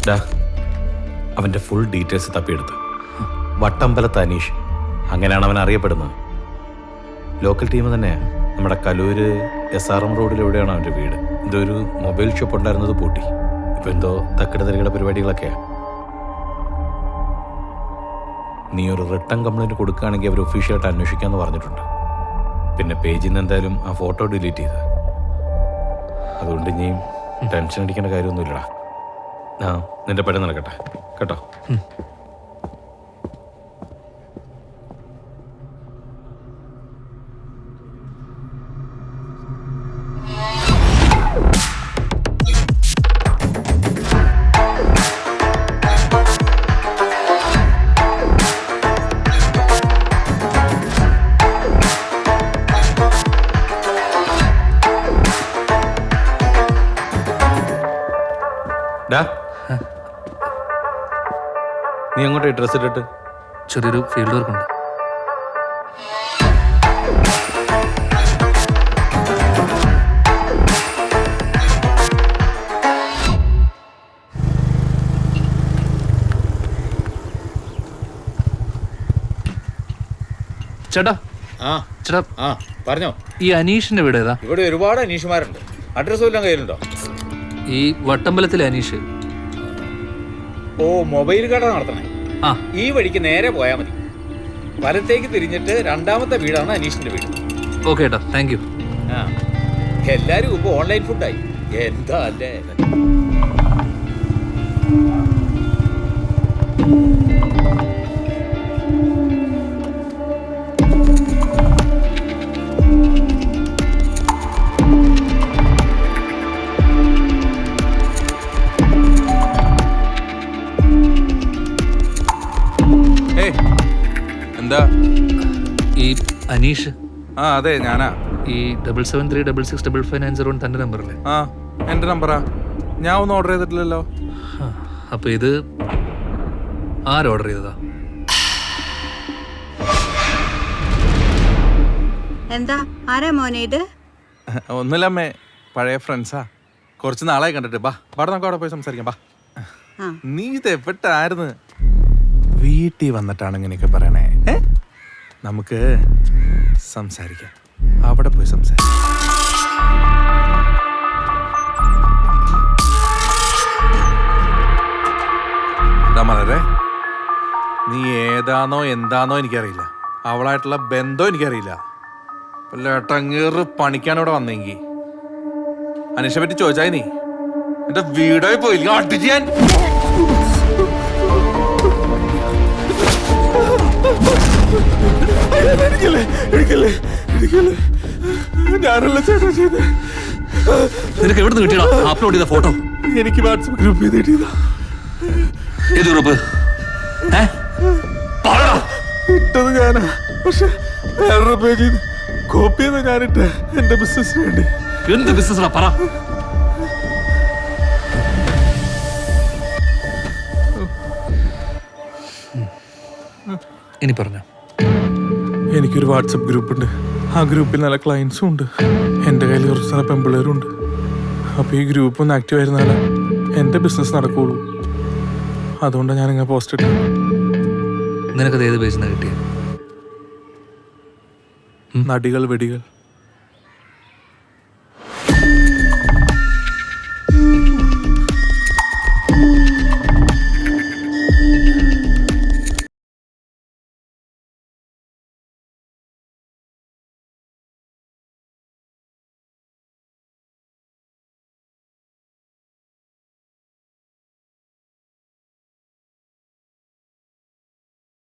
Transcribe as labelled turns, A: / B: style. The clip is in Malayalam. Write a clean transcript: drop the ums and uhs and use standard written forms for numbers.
A: അവൻ്റെ ഫുൾ ഡീറ്റെയിൽസ് തപ്പിയെടുത്ത്. വട്ടമ്പലത്ത് അനീഷ്, അങ്ങനെയാണ് അവൻ അറിയപ്പെടുന്നത്. ലോക്കൽ ടീം തന്നെയാണ്. നമ്മുടെ കലൂര് SRM റോഡിലെവിടെയാണ് അവൻ്റെ വീട്. എന്തോ ഒരു മൊബൈൽ ഷോപ്പ് ഉണ്ടായിരുന്നത് പൂട്ടി. ഇപ്പം എന്തോ തക്കിടതരികളുടെ പരിപാടികളൊക്കെയാണ്. നീ ഒരു റിട്ടേൺ കംപ്ലൈൻറ്റ് കൊടുക്കുകയാണെങ്കിൽ അവർ ഒഫീഷ്യലായിട്ട് അന്വേഷിക്കാമെന്ന് പറഞ്ഞിട്ടുണ്ട്. പിന്നെ പേജിൽ നിന്ന് എന്തായാലും ആ ഫോട്ടോ ഡിലീറ്റ് ചെയ്ത്. അതുകൊണ്ട് ഇനിയും ടെൻഷൻ അടിക്കേണ്ട കാര്യമൊന്നുമില്ലടാ. നിന്റെ പണി നടക്കട്ടെ കേട്ടോ. നീ അങ്ങോട്ട് ഡ്രസ് ഇട്ടിട്ട്.
B: ചെറിയൊരു ഫീൽഡ് വർക്ക് ഉണ്ട്. ചേട്ടാ ചേട്ടാ
C: പറഞ്ഞോ.
B: ഈ അനീഷിന്റെ വീട് ഏതാ?
C: ഇവിടെ ഒരുപാട് അനീഷുമാരുണ്ട്. അഡ്രസ് വല്ലതും കയ്യിലുണ്ടോ?
B: ഈ വട്ടമ്പലത്തിലെ അനീഷ്.
C: ഓ, മൊബൈൽ കട നടത്തണേ. ഈ വഴിക്ക് നേരെ പോയാൽ മതി. വലത്തേക്ക് തിരിഞ്ഞിട്ട് രണ്ടാമത്തെ വീടാണ് അനീഷിന്റെ വീട്.
B: ഓക്കെ ഏട്ടാ, താങ്ക് യു.
C: എല്ലാരും ഇപ്പൊ ഓൺലൈൻ ഫുഡായി. എന്താ അല്ലേ?
D: എന്താ?
B: ഈ അനീഷ്.
D: അതെ, ഞാനാ.
B: ഈ 7736655901 തന്റെ നമ്പർ അല്ലേ?
D: എന്റെ നമ്പറാ. ഞാൻ ഒന്നും ഓർഡർ ചെയ്തിട്ടില്ലല്ലോ.
B: അപ്പൊ ഇത് ആര് ഓർഡർ ചെയ്തതാ?
E: എന്താ ആരാ മോനെ ഇത്?
D: ഒന്നുമില്ലമ്മേ, പഴയ ഫ്രണ്ട്സാ. കുറച്ച് നാളായി കണ്ടിട്ട്. ബാ നമുക്ക് അവിടെ പോയി സംസാരിക്കാം. ബാ. നീ ഇത് എവിട്ടായിരുന്നു? വീട്ടിൽ വന്നിട്ടാണ് ഇങ്ങനെയൊക്കെ പറയണേ. നമുക്ക് സംസാരിക്കാം. അവിടെ പോയി സംസാരിക്കാം. മലരെ, നീ ഏതാണോ എന്താണോ എനിക്കറിയില്ല. അവളായിട്ടുള്ള ബന്ധം എനിക്കറിയില്ല. ലേട്ടങ്ങേറ് പണിക്കാനിവിടെ വന്നെങ്കിൽ അനീഷെ പറ്റി ചോദിച്ചായി നീ എന്റെ വീടായി പോയില്ല. അടിച്ച് ഞാൻ ഞാനല്ല ചേട്ടാ ചെയ്ത്.
B: നിനക്ക് എവിടെ നിന്ന് കിട്ടിയടാ അപ്ലോഡ് ചെയ്ത ഫോട്ടോ?
D: എനിക്ക് വാട്സപ്പ് ഗ്രൂപ്പ് ചെയ്ത് കിട്ടിയതാ.
B: ഏത് ഗ്രൂപ്പ്?
D: ഇട്ടത് ഞാനാ, പക്ഷെ വേറൊരു പേജിൽ കോപ്പി ചെയ്ത് ഞാനിട്ട് എന്റെ ബിസിനസിന് വേണ്ടി.
B: എന്ത് ബിസിനസ് പറ. ഇനി പറഞ്ഞോ.
D: എനിക്കൊരു വാട്സപ്പ് ഗ്രൂപ്പ് ഉണ്ട്. ആ ഗ്രൂപ്പിൽ നല്ല ക്ലയൻസും ഉണ്ട്. എൻ്റെ കയ്യിൽ കുറച്ച് നല്ല പെമ്പിള്ളേരും ഉണ്ട്. അപ്പോൾ ഈ ഗ്രൂപ്പ് ഒന്ന് ആക്റ്റീവ് ആയിരുന്നാലേ എൻ്റെ ബിസിനസ് നടക്കുകയുള്ളൂ. അതുകൊണ്ടാണ് ഞാനിങ്ങനെ പോസ്റ്റ് ഇട്ടത്.
B: നിനക്കത് ഏത് പേജിൽ നിന്നാണ് കിട്ടിയത്?
D: നടികൾ വെടികൾ.